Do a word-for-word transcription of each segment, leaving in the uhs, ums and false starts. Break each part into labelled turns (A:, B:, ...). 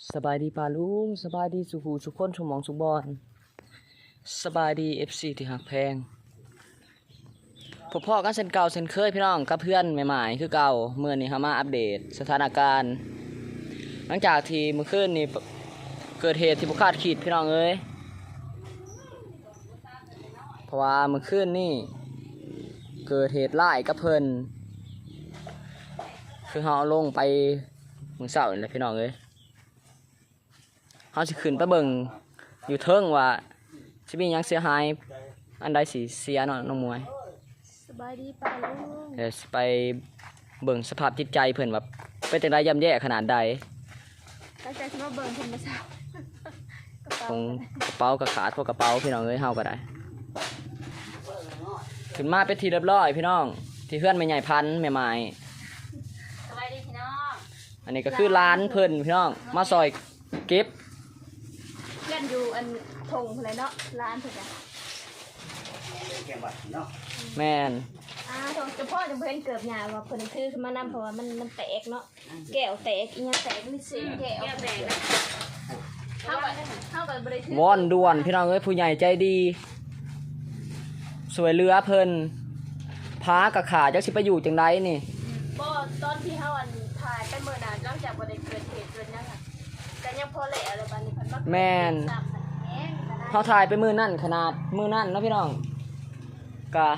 A: สบายดีป่าลุงสบายดีสุขูสุขคนชมมองสุบอนสบายดีเอฟซีที่หักแพงพบพ่อกันเช่นเก่าเช่นเคยพี่น้องกับเพื่อนใหม่ๆคือเก่าเมื่อนี้เขามาอัปเดตสถานการณ์หลังจากที่เมื่อคืนนี้เกิดเหตุที่บุคาดคิดพี่น้องเอ้ยเพราะว่าเมื่อคืนนี่เกิดเหตุร้ายกับเพิ่นคือเขาลงไปมือเสาร์นี่แหละพี่น้องเอ้ยเขาสิขึ้นไปเบิ่งอยู่เทิงว่าสิมีหยังเสียหายอันใดสิเสียเนาะน้องมวย
B: สบายดีป่าลุง
A: เดี๋ยวสิไปเบิ่งสภาพจิตใจเพิ่นว่าเป็นจังไดย่ำแย่ขนาดใด
B: ตั้งใจสิมาเบิ่งธรรมชาติ
A: คงกระเป๋าก็ขาดพวกกระเป๋าพี่น้องเอ้ยเฮาก็ได้ขึ้นมาเป็นทีเรียบร้อยพี่น้องที่เพื่อนแม่ใหญ่พันธุ์แม่ไม้
B: สบายดีพี่น้อง
A: อันนี้ก็คือร้านเพิ่นพี่น้องมาซอยเก็บ
B: เพื่อนอยู่อันทงอะไรเนาะร้านเพิ่นน่ะ
A: แม่น
B: อ่าทงเฉพาะจะเพิ่นเกิดหยาว่าเพิ่นคือขึ้นมานำเพราะว่ามันมันแตกเนาะแก้วแตกอีหยังแตกมีเสียงแก้วแตกนะเฮาก็เฮาก็บ่ได้ถือ
A: วอนด่วนพี่น้องเอ้ยผู้ใหญ่ใจดีสวยเรือเพิ่นพากับขาจักสิไปอยู่จังไดนี่
B: บ่ตอนที่เฮาอันถ่ายไปมื้อนั้นหลังจากบ่ได้เกิดเหตุเกิดหยังอ่ะก็ยังพอแล้วแล้วบัดนี้เพิ่นมา
A: แม่นเขาถ่ายไปมือนั่นขนาดมือนั่นนะพี่น้องกะ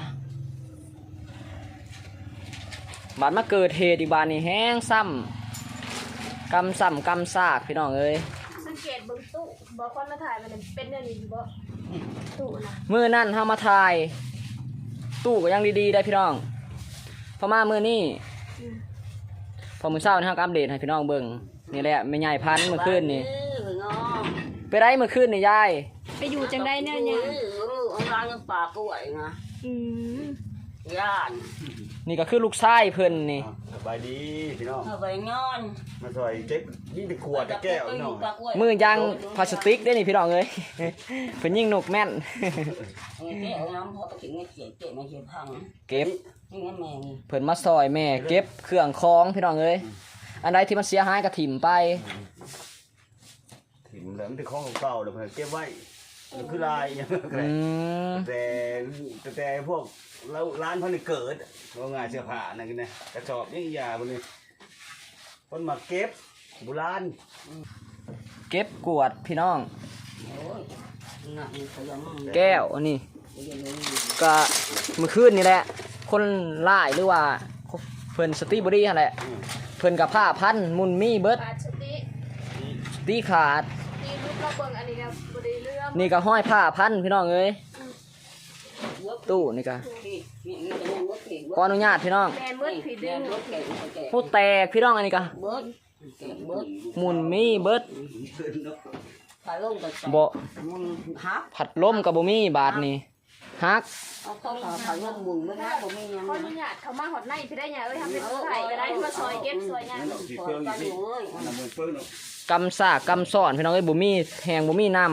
A: บาดมาเกิดเหตุอีกบาดนี่แห้งซ้ำกำซ้ำกำซากพี่น้องเอ้ย
B: สังเกตเบิ่งตู้บ่คนมาถ่ายมันเป็นเรื่องนี้อยู่บ่ตู้นะ
A: มือนั่นเฮามาถ่ายตู้ก็ยังดีๆได้พี่น้องพอมามือนี่พอมือเช้านี่เฮาก็อัปเดตให้พี่น้องเบิ่งนี่แหละแม่ใหญ่พันธุ์เมื่อคืนนี่ไปได้เมื่อคืนนี่ยาย
B: ไปอยู่จังได้เนี่ยเนี่ย
C: ông ra cái bà cô vậy nè
B: อืม
C: ย่าน
A: นี่ก็คือลูกชายเพิ่นนี่
D: สบายดีพี่น้อง
C: เอาไปนอน
D: มาซอยเจ็บยิ่งตะขวดตะแก้วพี่น้อง
A: มือยางพลาสติกได้นี่พี่น้องเอ้ยเพิ่นยิงนกแม่นเก็บเพิ่นมาซอยแม่เก็บเครื่องคองพี่น้องเอ้ยอันใดที่มันเสียหายก็ถิ่มไป
D: ถิ่มแล้วมันเป็นของเก่าๆแล้วเพิ่นเก็บไว้มันคือลายอย่างแต่แต่แต่พวกเราร้านเพิ่นเกิดว่าง่ายเสื้อผ้านั่นกันนะกระสอบยังยาพวกนี้เพิ่นมาเก็บโบราณ
A: เก็บกวดพี่น้องแก้วอันนี้ก็เมื่อคืนนี่แหละคนล่ายหรือว่าเพิ่นสติบอดี้นั่นแหละเพิ่นกับผ้าพันมุนมีเบิดสติขาดนี่ก็ห้อยผ้าพันพี่น้องเอ้ยตู้นี่ก็ขออนุญาตพี่น้องผู้แตกพี่น้องอันนี้ก็มุนมีเบิดบ่ผัดล้มกับบ่มีบาทนี่ฮัก
B: ขออนุญาตเขามาหอดในพี่ได้ยังเอ้ยทำเป็นไข่ก็ได้มาซอยเก็บซอยงาน
A: กำซากกำซ่อนพี่น้องเอ้ยบ่มีแหงบ่มีน้ำ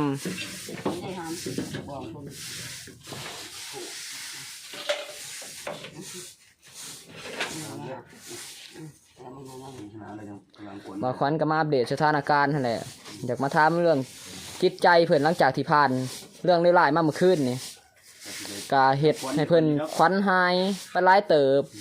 A: มาขวัญก็มาอัปเดตสถานการณ์นั่นแหละอยากมาถามเรื่องจิตใจเพิ่นหลังจากที่ผ่านเรื่องร้ายๆมาเมื่อคืนนี่กาเฮ็ดให้เพิ่นขวัญหายไปหลายเติบ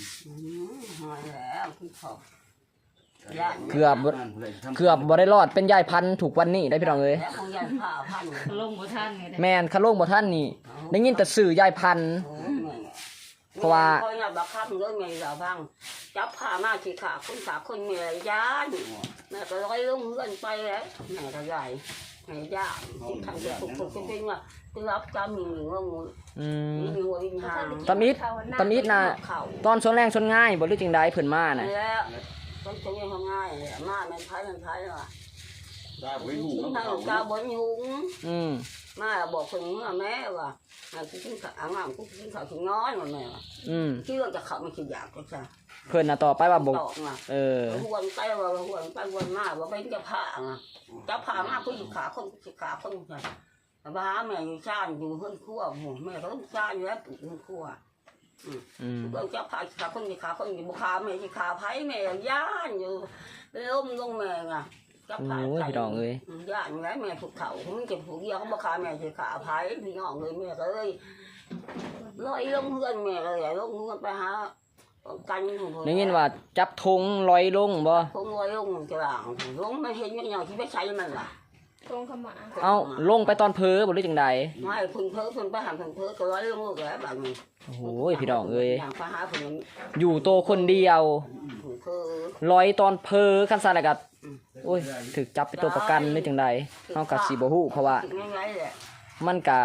A: เกือบเกือบบ่ได้รอดเป็นยายพันธุ์ถูกวันนี้ได้พี่น้องเอ้ย
B: ลงบ่ทัน
A: แม่นคาลงบ่ทันนี่ได้ยินแต่สื่อยายพันธุ์เพราะว่า
C: คอยน่ะบักคับเลยแม่สาวพังจับผ้ามาสิขาคนขาคนแม่ย่านแม่ก็ร้อยลงเฮือนไปแล้วแม่ก็ใหญ่แม่ย่านทางจะปลุกๆจริงๆว่าคือรับจำมีงง
A: อืม
C: มีหัววิญญาณ
A: ตำอิดตำอิดน่ะตอนชนแรงชนง่ายบ่รู้จังได๋เพิ่นมาน่ะ
C: แล้วต้องใช้ง่ายๆมามันไผมันไผว่ะ
D: ได้บ่ฮู้
C: ทางกาบ่ยุง
A: อืม
C: มาบอกเพิ่นว่าแม่ว่าให้กูกินข้าวอ่างๆกูกินข้าวถึงน้อยว่าแม่ว่า
A: อืม
C: คิดว่าจะเข้ามันสิอยากจังซั่น
A: เพิ่นน่ะต่อไปว่าบ่เออ
C: หวนไปว่าหวนไปหวนมาว่าเป็นจะผ้าอ่ะจะผ้ามากูสิขาคนสิขาคนซั่นบ้าแม่อยู่ซ่านอยู่เฮือนครัวโหแม่ก็ซ่านอยู่แล้วอยู่เฮือนครัวอืมก็จะผ้าขาคนสิขาคนสิบ่ขาแม่สิขาไผแม่ย่านอยู่ล้มลงแม่อ่ะจับ
A: โอ้
C: ผ่าย
A: พี่น้องเอ้ย
C: ย่านแม่แม่ถูกเขามันเก็บผูกเดียวเขาบอกขาแม่ถือขาพายพี่น้องเลยแม่ก็เลยลอยลงเพื่อนแม่เลยลงเพื่อนไปหากัน
A: ได้ยินว่าจับธงลอยลงบ่
C: คงลอยลงจะหลังลงไม่เห็นยังไงที่ไม่ใช่มันล่ะ
B: ตรงขมา
A: เอ้าลงไปตอนเพ้อบ่หรือจังใด
C: ไม่พึ่งเพ้อพึ่งไปหาพึ่งเพ้อก็ลอยลงลูกแล้วแบบนี้
A: โอ้โหพี่น้องเอ้ย
C: อย่างไปหาพึ่ง
A: อยู่โตคนเดียว
C: พึ่งเพ้อ
A: ลอยตอนเพ้อคันซ่นแล้วก็โอ้ยถูกจับเป็นตัวประกันหรือจังใดเฮาก็สิบ่ฮู้เพราะว่า
C: ง่ายๆแหละ
A: มันก็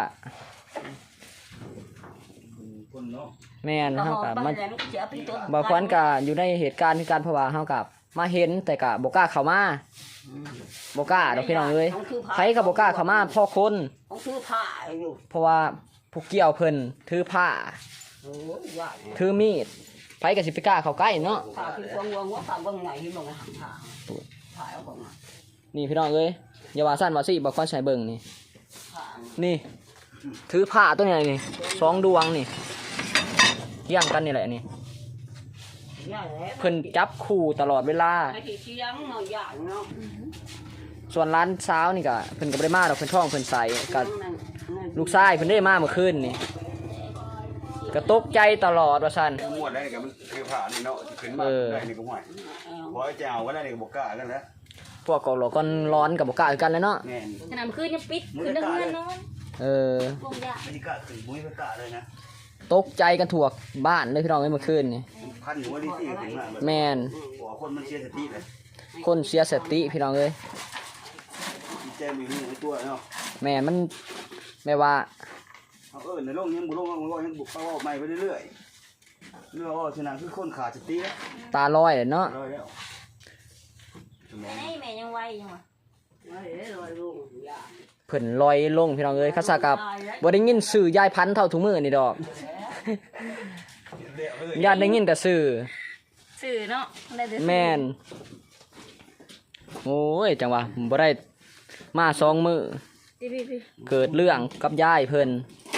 D: คนเนาะ
A: แม่นเฮาก็มัน
C: แล้วเสียพี่ตัว
A: บางคนก็อยู่ในเหตุการณ์คือการเพราะว่าเฮากับมาเห็นแต่ก็บ่กล้าเข้ามาบ่กล้าดอกพี่น้องเอ้ยไผก็บ่กล้าเข้ามาพ่อคน
C: ต้องซื้อผ้าอยู่
A: เพราะว่าผู้เกี่ยวเพิ่นถือผ้า
C: โอ้ยยาก
A: ถือมีดไผก็สิไปกล้าเข้าใกล้เนาะ
C: ผ้าคือควงวงว่าผ้าบางไหนที่บางหางผ้าผ้าเอาบาง
A: นี่พี่น้องเอ้ยอย่าว่าซั่นว่าสิบ่ควรใช้เบิ่งนี่
C: ผ้า
A: นี่ ถือผ้าตัวนี้นี่สองดวงนี่เที่ยงกันนี่แหละนี่
C: ยากแล้ว
A: เพิ่นจับคู่ตลอดเวลา
C: ไอ้ที่เชียงเนาะยากเนาะ
A: ส่วนร้านเช้านี่ก็เพิ่นก็บ่ได้มาดอกเพิ่นท้องเพิ่นใสก็ลูกชายเพิ่นได้มาเมื่อคืนนี่ก็ตกใจตลอดว่าซั่น
D: มวดได้นี่ก็มันคือผ่านี่เนาะขึ้นมาได้นี่ก็ห่วยพอจะเอาก็ได้นี่ก็บ่กล้ากันแล้ว
A: พวกก็หลอกก้อนร้อนกับบ่กล้าคือกันเลยเนาะ
D: แม่น
B: ขนาดคืนยังปิดคือนั่งเงินนอน
A: เออ
B: ลงยา
D: ไม่ได้กล้าถึงบุ้ยไม่กล้าเลยนะ
A: ตกใจกันทั่วบ้านเลยพี่น้องเอ้ยเมื่อคืนนี่
D: พันหัวดีที่ถึงมา
A: แม่น
D: หัวคนมันเสียสติเลย
A: คนเสียสติพี่น้องเอ้ย
D: ดีใจมีหูตัวเนาะ
A: แม่นมันแม่ว่า
D: เอาเออในโลกยังบุโลกมันก็ยังบุกเข้าใหม่ไปเรื่อยๆเรื่องว่าชนะคือคนขาดสติแล้ว
A: ตาลอยเลยเนาะ
D: ร้อยแล้ว
B: แม่แม่ยังไหวยังวะ
C: ไม่ได้ลอยลงยาก
A: เพิ่นลอยลงพี่น้องเอ้ยเขาซากับบ่ได้ยินชื่อยายพันธุ์เท่าทุกมื้อนี่ดอกญาติได้ยินแต่ชื่อ
B: สื่อเนาะได้แต่สื่อ
A: แม่นโอ้ยจังหวะบ่ได้มาสองมื้อ
B: พี่พี่พี่
A: เกิดเรื่องกับยายเพิ่น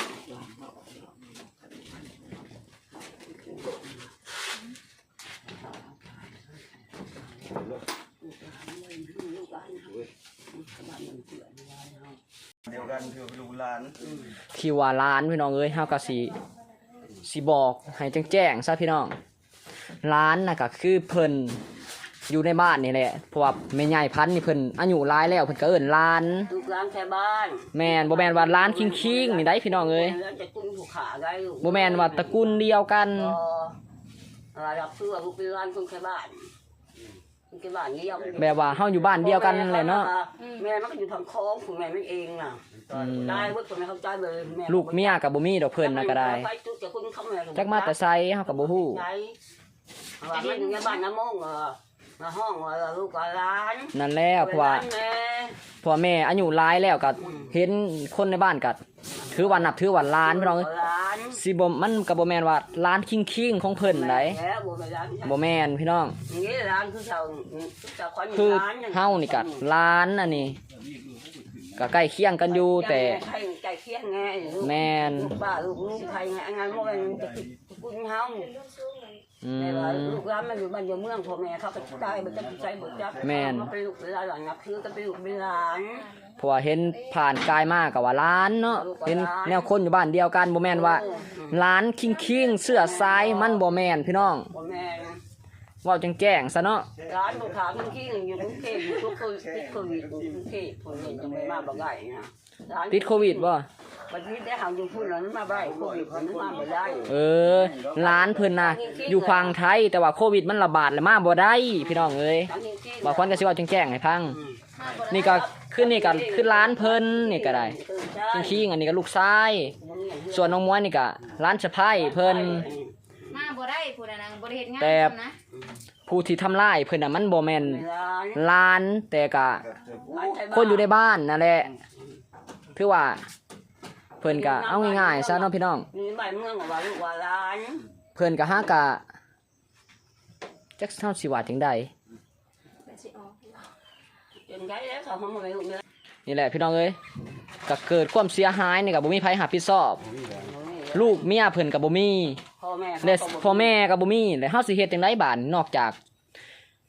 D: เดียวกันคือลูกหลาน
A: ที่ว่าร้านพี่น้องเอ้ยเฮาก็สิสิบอกให้แจ้งๆซะพี่น้องร้านน่ะก็คือเพิ่นอยู่ในบ้านนี่แหละเพราะว่าแม่ใหญ่พันธุ์นี่เพิ่นอายุหลายแล้วเพิ่นก็เอิ้นร้าน
C: ลูกหลานแค่บ้าน
A: แม่นบ่แม่นว่าร้านคิงๆนี่ได้พี่น้องเอ้ย
C: แล้วจะกุ้งถูกขาได้ลูก
A: บ่แม่นว่าตระกูลเดียวกัน
C: ก็อะไรรับเสื้อลูกเป็นร้านคนแค่บ้านคนแค่บ้านนี่ยัง
A: แบบว่าเฮาอยู่บ้านเดียวกันแหละเนาะ
C: แม่มันก็อยู่ทางคลองของแม่มันเองน่ะ
A: อืม
C: ได้เว้ยคนไม่เข้าใจเลยแม่
A: ลูกเมียก็บ่มีดอกเพิ่นน่ะก็ได้
C: ไปจุดจากคนเขาแม่
A: จักมาแต่ไสเฮาก็บ่ฮู้
C: ใช่ว่ามันอยู่ในบ้านน้ำมงเออมาห้องว่าลูกกับร้าน
A: นั่นแล้วเพราะว่า
C: แม่
A: เพราะว่าแม่อายุหลายแล้วก็เห็นคนในบ้านก็ถือว่านับถือว่าร้านพี่น้องเอ้ย
C: ร้าน
A: สิบ่มันก็บ่แม่นว่าร้านคิงๆของเพิ่นได
C: แล้วบ่ไปร้าน
A: บ่แม่นพี่น้อง
C: อย่างนี้ร้านคือชาวชาวคน
A: คือ
C: ร้าน
A: เฮานี่ก็ร้านอันนี้ก็ใกล้เคียงกันอยู่แต่
C: ใครใจเคียงไง
A: แม่น
C: ลูกป้าลูกลูกใครไงงานมันจะกุนเฮา
A: อื
C: แต่ว่าม ลูกร้านมันอยู่บ้านอยู่เมืองพ่อแม่เขาไปตายมันจะใช้บ่จับ
A: แม่น
C: มันเป็นลูกเป็นหลานหลังคือก็เป็นลูกเป็นหลาน
A: เพราะว่าเห็นผ่านกายมากก็ว่าร้านเนาะเห็นแนวคนอยู่บ้านเดียวกันบ่แม่นว่าร้านคิงๆเสื้อสายมันบ่แม่นพี่น้อง
C: พ่อแม่
A: เว้าจังแจ้งซะเนาะ
C: ร้านลูกค้าเมื่อกี้อยู่กรุงเทพอยู่ทุกคนติดโควิดอยู่กรุงเทพผมเห็นยังไม่มาบ่ได้นะร้าน
A: ติดโควิดบ่
C: วันนี้ได้หาอยู่พูดแล้วมาบ่ได้โควิดมันมาบ่ได้
A: เออร้านเพิ่นน่ะอยู่ฝั่งไทยแต่ว่าโควิดมันระบาดแล้วมาบ่ได้พี่น้องเอ้ย
C: ทั้งจริงๆ
A: บางคนก็สิเว้าจังแจ้งให้ฟังนี่ก็ขึ้นนี่ก็ขึ้นร้านเพิ่นนี่ก็ได้คิงๆอันนี้ก็ลูกชายส่วนน้องม้วยนี่ก็ร้านสะพ้ายเพิ่น
B: มาบ่ได้ผู้ใดนางบ่ได้เฮ็ดงาน
A: แต่
B: นะ
A: ผู้ที่ทำร้ายเพิ่นน่ะมันบ่แม่น
C: ร้าน
A: ร้านแต่ก็คนอยู่ในบ้านนั่นแหละคือว่าเพิ่นก็เอาง่ายๆซะเนาะพี่น้อง
C: มีบ้านเมืองว่าลูกว่าร้าน
A: เพิ่นก็หากะจักเฮาสิว่าจังได๋
B: สิออก
C: จนไกลแล้วเขาทำอะไรลูกเนี่ย
A: นี่แหละพี่น้องเอ้ยก็เกิดความเสียหายนี่ก็บ่มีไผรับผิดชอบ ลูกเมียเพิ่นก็บ่มี
C: พ่อแม่
A: และพ่อแม่ก็บ่มีแล้วเฮาสิเฮ็ดจังไดบาดนอกจาก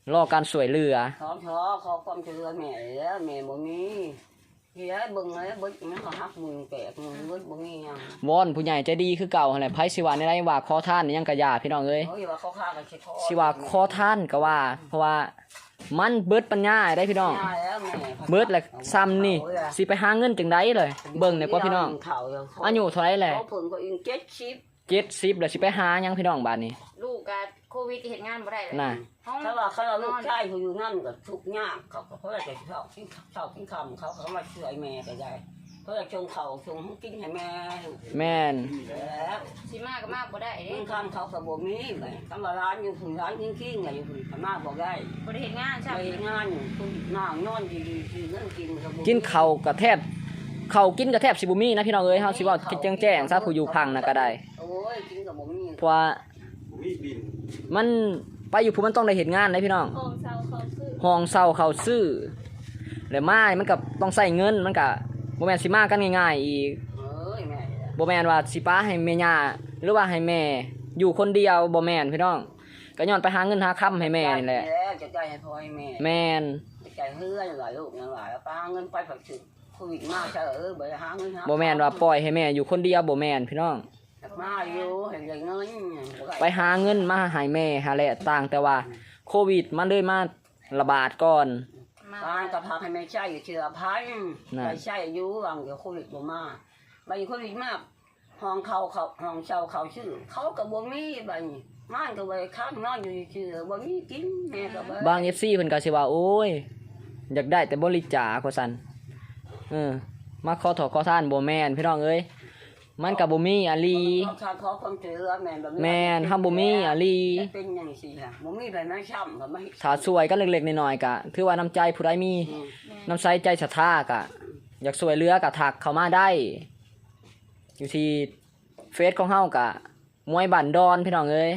A: รอการสวยเหลือ
C: ขอขอขอความช่วยเหลือแม่แล้วแม่บ่มีเฮียเบิ่งเลยเบิ่งมันก็หักมือแตกมือเบิ่งบ่มีหยัง
A: วอนผู้ใหญ่ใจดีคือเก่าหั่นแหละไผสิว่าในได้ว่าขอทานนี่ยังกะยาพี่น้องเอ้ย
C: โอ้ยว่าเขาฆ่ากันสิขอ
A: สิว่าขอทานก็ว่า เพราะว่ามันเบิดปัญญาได้พี่น้อง
C: แล้วแม่
A: เบิดแหละซ้ำนี่สิไปหาเงินจังไดเลย เบิ่งเนี่ยกว่าพี่น้องอายุเท่าไหร่แหละ
C: เขาเพิ่นก็อิงเจ็ดสิบ
A: เจ็ดสิบแล้วสิไปหาหยังพี่น้องบาดนี้
B: ลูกกะโควิดเฮ็ดงานบ่ได้เลย
A: น่ะ
B: ห้อง
C: ถ้าว่าเขาเอาลูกชายเขาอยู่นั่นก็ทุกข์ยากเขาก็เขาจะเขากินข้าวกินคำเขาเขามาช่วยแม่ก็ได้เขาจะชงเขาชงกินให้แม่
A: แม่น
C: แล้ว
B: สิมาก็มาบ่ได้เด้
C: กินคำเขาก็บ่มีไปคำว่าร้านอยู่ฝุ่นร้านกิ้งๆไงอยู่ฝุ่นขมาบอกได้
B: บ่ได้เฮ็ดงาน
C: ไป
B: ใช่
C: งานคุณนั่งนอนดีๆคือเรื่องกินก็บ่
A: กินข้าวก็แทบข้าวกินก็แทบสิบ่มีนะพี่น้องเอ้ยเฮาสิเว้าแจ้งๆซะผู้อยู่พังน่ะก็ได้
C: โอ้ยกินก็บ่มี
A: เพราะว่า
D: มีบิน
A: มันไปอยู่ผู้มันต้องได้เฮ็ดงานนะพี่น้อง
B: ห้องเซาเขาซื้อ
A: ห้องเช่าเขาซื้อแล้วมามันก็ต้องใช้เงินมันก็บ่แม่นสิมากันง่ายๆอีก
C: เอ้ยแม่
A: บ่แม่นว่าสิป้าให้แม่ย่าหรือว่าให้แม่อยู่คนเดียวบ่แม่นพี่น้องก็ย้อนไปหาเงินหาค้ำให้แม่นี่แหละ
C: แล้วจะได้ให้พ่อให้แม่
A: แม่น
C: จะได้เฮือนหลายลูกหลายแล้วป้าเงินไปฝักถึงโควิดมาเฉอเออบ่ได้หาเงินหา
A: บ่แม่นว่าปล่อยให้แม่อยู่คนเดียวบ่แม่นพี่น้อง
C: มาอยู่เห็นได้เงินบ่ด้
A: ไปหาเงินมาให้แม่หาแหละต่างแต่ว่าโควิดมันเลยมาระบาดก่อน
B: มา
C: บ้านก็พาให้แม่ใช้อยู่เชื่อพัน
A: น่ะ
C: ไปใช้อยู่หลังเดี๋ยวโควิดบ่มาไปโควิดมาห้องเขาเขาห้องเช่าเขาชื่อ เขาก็บ่มีบัดนี้ม่านก็บ่ได้ค้างนอนอยู่เชื่อบ่มีกินแม่ก็บ่
A: บาง เอฟ ซี เพิ่นก็สิว่าโอ้ยอยากได้แต่บริจาคว่าซั่นเออมาขอถอขอทานบ่แม่นพี่น้องเอ้ยมันก็บ่มีอะลี
C: เขาขาดขอความช่วยเหลือแม่แบบ
A: แม่นเฮาบ่มีอะลี
C: เป็นจังซี่ล่ะบ่มีไผมาช้ำก็มาเฮ็ด
A: ถ้าช่วยกันเล็กๆน้อยๆก็ถือว่าน้ำใจผู้ใดมี
C: อืม
A: น้ำใจใจศรัทธาก็อยากช่วยเหลือก็ทักเข้ามาได้ อยู่ที่เฟซของเฮาก็มวยบันดอนพี่น้องเอ้ย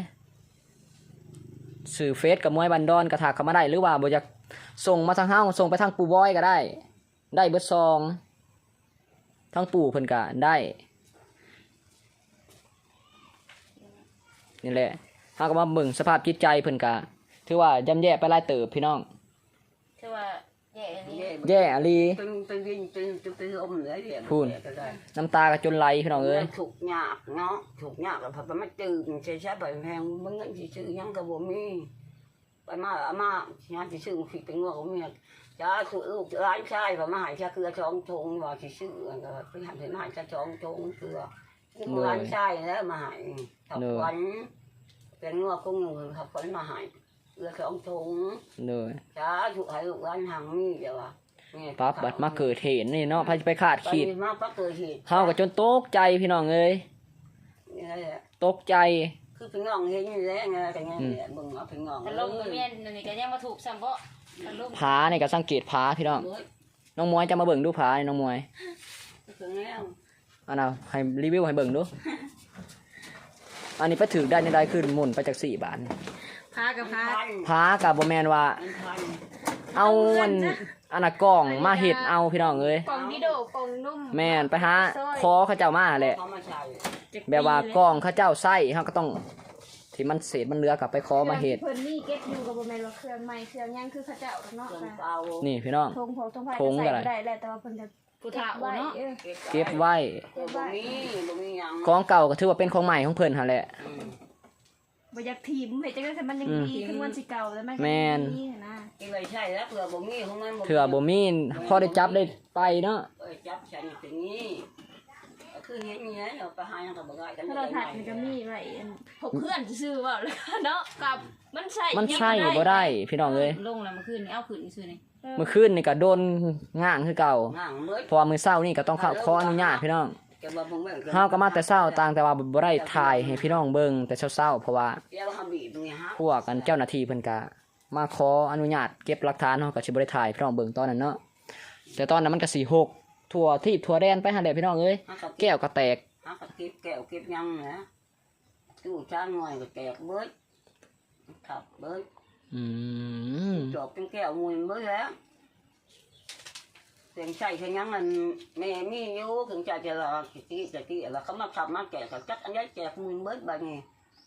A: สื่อเฟซกับมวยบันดอนก็ทักเข้ามาได้หรือว่าบ่อยากส่งมาทางเฮาส่งไปทางปู่บอยก็ได้ ได้เบิดซองทั้งปู่เพิ่นก็ได้นี่แหละเฮาก็มาเบิ่งสภาพจิตใจเพิ่นก็ถือว่าย่ำแย่ไปหลายเติบพี่น้อง
B: คือว่าแย่อันนี้
A: แย่อะลี
C: เป็นเป็นวินเป็นเป็นเป็นลมเลยเดี๋ยว
A: พูน
C: ก็ได้
A: น้ำตาก็จนไหลพี่น้องเอ้ย
C: ถูกยากเนาะถูกยากแล้วพอไปมาจืดใช้ใช้ไปแพงมันเงินสิซื้อหยังก็บ่มีไปมาอามาหยังสิซื้อผิดเป็นงัวของเมียจ้าคือลูกร้านชายพอมาหายชาเกลือช่องทงว่าสิซื้ออันก็ไปหันไปมาหายชาช่องทงเกลือคือร้านชายแล้วมาหายขับขวัญเป็นงัวคงอยู่ขับขวัญมาหายเกลือช่องทง
A: เลย
C: จ้าถูกให้ลูกร้านหางมีเดี๋ยวว่า
A: ปั๊บบัดมาเกิดเหตุนี่เนาะพาไปคาด
C: ไป
A: คิด
C: มาปั๊บเกิดเหตุ
A: เฮาก็จนตกใจพี่น้องเอ้ย
C: นี่แหละ
A: ตกใจ
C: คือเป็นงองเห็นอยู่แล้วไงกันไงเนี่ยบึงเอาเป็นงอง
B: แต่ลมก็เมียนอันนี้ก็ยังมาถูกซ้ำบ่แต่ลม
A: ผานี่ก็สังเกตผาพี่น้อง
C: เฮ้ย
A: น้องมวยจะมาเบิ่งดูผานี่น้องมวย
C: ถึงแล้ว
A: อันน่ะให้รีวิวให้เบิ่งดู อันนี้ไปถือได้ในได้ขึ้นหมุนไปจากสี่บาท
B: พากับพา
C: พัน
A: ผากับบ่แม่นว่า
C: พัน
A: เอาอันอันน่ะกล่องมาเฮ็ดเอาพี่น้องเอ้ย
B: กล่องดิโดกล่องนุ่ม
A: แม่นไปหาคอเขาเจ้ามาแหละ
C: เขามาใช้
A: แบบว่ากล่องเขาเจ้าไส้เฮาก็ต้องที่มันเศษมันเหลือกลับไปคอมาเฮ็ด
B: เพิ่นนี่เก็บอยู่กับบ่แม่นว่าเครื่องใหม่เครื่องยังคือเขาเจ้าเนาะ
C: เครื่อง
B: ค่ะ
C: เตา
A: นี่พี่น้อง
B: ทงพกทงไผ่
A: ทงก็
B: ใส่
A: ได้
B: ได้แหละแต่ว่าเพิ่นจะผู้เฒ่าเนาะ
A: เก็บไว้
C: เก็บไว้บ่มีหยัง
A: ของเก่าก็ถือว่าเป็นของใหม่ของเพิ่นหั่นแหละ
C: อืม
B: บ่อยากถีบเฮ็ดจังได๋แต่มันยังดีคือมันสิเก่าแล้วมันก็
A: แม่น
B: ดีนะ
C: กินไว้ใช้แล้วเผื่อบ่มีของมัน
A: เถื่อบ่มีพอได้จับได้ไปเนาะ
C: เอ้ยจับฉันเป็นงี้ก็คือเห็นอย่างนี้เราไปหาหยังก็บ่ได้กัน
B: ถ้าเราถัดมันก็มีไว้อันพกเพื่อนซื่อๆเว้าแล้วเนาะกับมันใส่
A: มันใช่บ่ได้พี่น้องเอ้ย
B: ลงแล้วเมื่อคืนนี่เอาขึ้นซื่อๆนี่
A: เมื่อคืนนี่ก็โดนง่างคือเก่า
C: ง่างเบิด
A: เพราะว่ามื้อเช้านี่ก็ต้องเข้าขออนุญาตพี่น้อง
C: แกว่าบ่แม่น
A: เฮาก็มาแต่เช้าต่างแต่ว่าบ่ได้ถ่ายให้พี่น้องเบิ่งแต่เช้าๆเพราะว่า
C: แกว่าหาบีบนี่ฮะ
A: พวกกันเจ้าหน้าที่เพิ่นก็มาขออนุญาตเก็บหลักฐานเฮาก็สิบ่ได้ถ่ายพี่น้องเบิ่งตอนนั้นเนาะแต่ตอนนั้นมันก็สิหกทั่วที่ทั่วแดนไปหั่นแหละพี่น้องเอ้ย
C: หากับ
A: แก้วก็แตก
C: หากับเก็บแก้วเก็บยังนะตู้จ้างหน่อยก็แตกเบิดขับเบิด
A: อืม
C: จบเป็นแก้วมวยเบิดแล้วเสียงใส่เสียงยังมันแม่มีอยู่ถึงใจจะละกี่กี่จะกี่แล้วเขามาขับมาแกะกับจักอันนี้แจกมวยเบิดบางนี่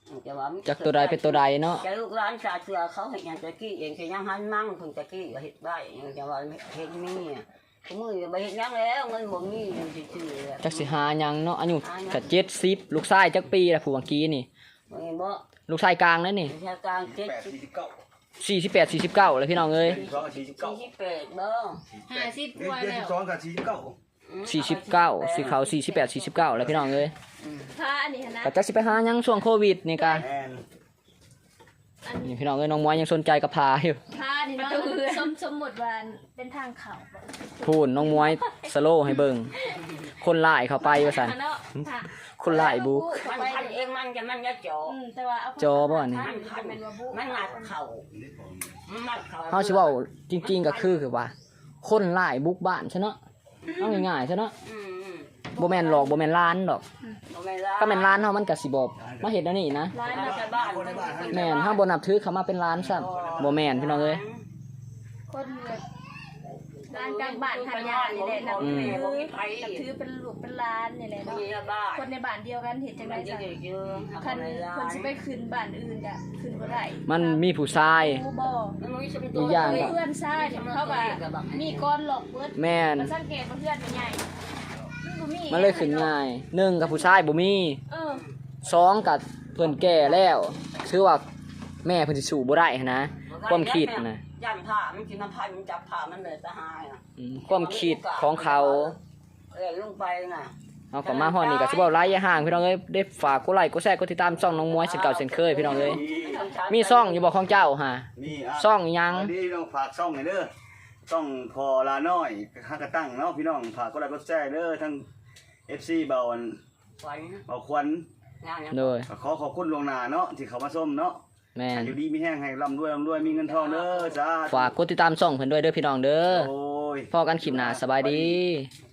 C: จะว่า
A: จากตัวใดเป็นตัวใดเนาะ
C: จะลูกร้านชาเสือเขาเห็นอย่างตะกี้เองคือยังหันมั่งเพิ่งตะกี้ก็เห็ดได้ยังจะว่าเห็ดมีอ่ะทุกมือไปเห็ดยังแล้วเงินบ่มีอยู่ซื่อๆ
A: จักสิหาหยังเนาะอายุก็เจ็ดสิบลูกชายจักปีละผู้เมื่อกี้นี่
C: บ่เห็นบ่
A: ลูกชายกลางนั่นนี่
C: ชากลางเจ็ด
D: แปด
C: สิบ
D: สี่สิบเก้า
A: สี่สิบแปดสี่สิบเก้าเลยพี่น้องเอ้ย
D: สองกับสี่สิบเก้า
C: สี่สิบแปดเด้อ
B: ห้าสิบกว่า
D: เดือน
B: แล้
D: สิ
B: ว
D: บสองกับสี่สิบเก้า
A: สี่สิบเก้าสีขาวสี่สิบแปดสี่สิบเก้าเลยพี่น้องเอ้ย
B: พาอันนี้นะ
A: ก็จักสิไปหาหยังช่วงโควิดนี่กะ
D: แอน
B: อัน
A: นี่
B: นี้
A: พี่น้องเอ้ยน้องมวยยังสนใจกับพาอยู่
B: พานี่เนาะสมสมมุติว่าเป็นทางเขา
A: พูนน้องมวยสโลว์ให้เบิ่งคนหลายเข้าไปว่าซั่น
B: เนาะค่ะ
A: คนหลายบุก
C: มันพันเองมันจะมันจะจ่อ
B: อืมแต่ว่าเอา
A: จอบ่อันนี้
C: มันพัน
B: เป็นว่าบุ
C: มันหนักเข่ามันหนักเข่า
A: เฮาสิเว้าจริงๆก็คือคือว่า คนหลายบุกบ้านซะเนาะเอาง่ายๆซะเนาะ
C: อืม
A: บ่แม่นหลอกบ่แม่นล้านดอก
C: บ่แม่นร้าน
A: ก็แม่นล้านเฮามันก็สิบ่มาเฮ็ดแนวนี้นะ
B: ร้าน
C: มา
B: เรา
C: จากบ้าน
A: แม่นเฮาบ่นับถือเขามาเป็นล้านซ้ำบ่แม่นพี่น้องเอ้ย
B: คนแบบร้านกลางบ้านทำยานี่แหละนับ
A: อื
B: ถื
A: ม
B: อนับถือเป็นลูกเป็นร้านนี่แหละ
C: มี
B: เนาะ
C: บ้าน
B: คนในบ้านเดียวกันเห็นจังได
C: มันจะ
B: จ้ะ
C: เยอะๆ
B: คันคนสิไปขึ้นบ้านอื่นก็ขึ้นบ่ได้
A: มันมีผู้ชาย
B: รู้บ่
A: อีกอย่าง
B: เพื่อนซ่าเนี่ยเขาก็มีก้อนหลอกเบิด
A: แม่น
B: มาสังเกตว่าเพื่อนเป็นใหญ่มันบ่มี
A: มันเลยขึ้นง่ายหนึ่งกับผู้ชายบ่มี
B: เออ
A: สองกับเพิ่นแก่แล้วชื่อว่าแม่เพิ่นสิสู้บ่ได้หั้นนะความคิดนะ
C: ย่านผ้ามันกินน้ำพันมันจับผ้ามันเลยสหายอ่ะ
A: อืมความคิดของเขา
C: เอ้ยลงไปน่ะ
A: เอาก็มาฮอดนี่ก็สิเว้าหลายอย่าห่างพี่น้องเอ้ยได้ฝากกดไลค์กดแชร์กดติดตามช่องน้องมวยเช่นเก่าเช่นเคยพี่น้องเอ้ยมีช่องอยู่บ่ของเจ้าฮะ
D: มีอ่ะ
A: ช่องหยัง
D: อันนี้ต้องฝากช่องหน่อยเด้อช่องพอลาน้อยฮักกระตั้งเนาะพี่น้องฝากกดไลค์กดแชร์เด้อทั้ง เอฟ ซี เบาอัน
C: ขวัญ
D: เบาควัน
C: งานเนี่ย
A: โดย
D: ก็ขอขอบคุณลวงหน้าเนาะที่เขามาส้มเนาะ
A: แม่น
D: อยู่ดีมีแห้งให้ร่ำรวยร่ำรวยมีเงินทองเด้อจ้า
A: ฝากกดติดตามช่องเพิ่นด้วยเด้อพี่น้องเด้อ
D: โอ้ย
A: พอกันคลิปหน้าสบายดี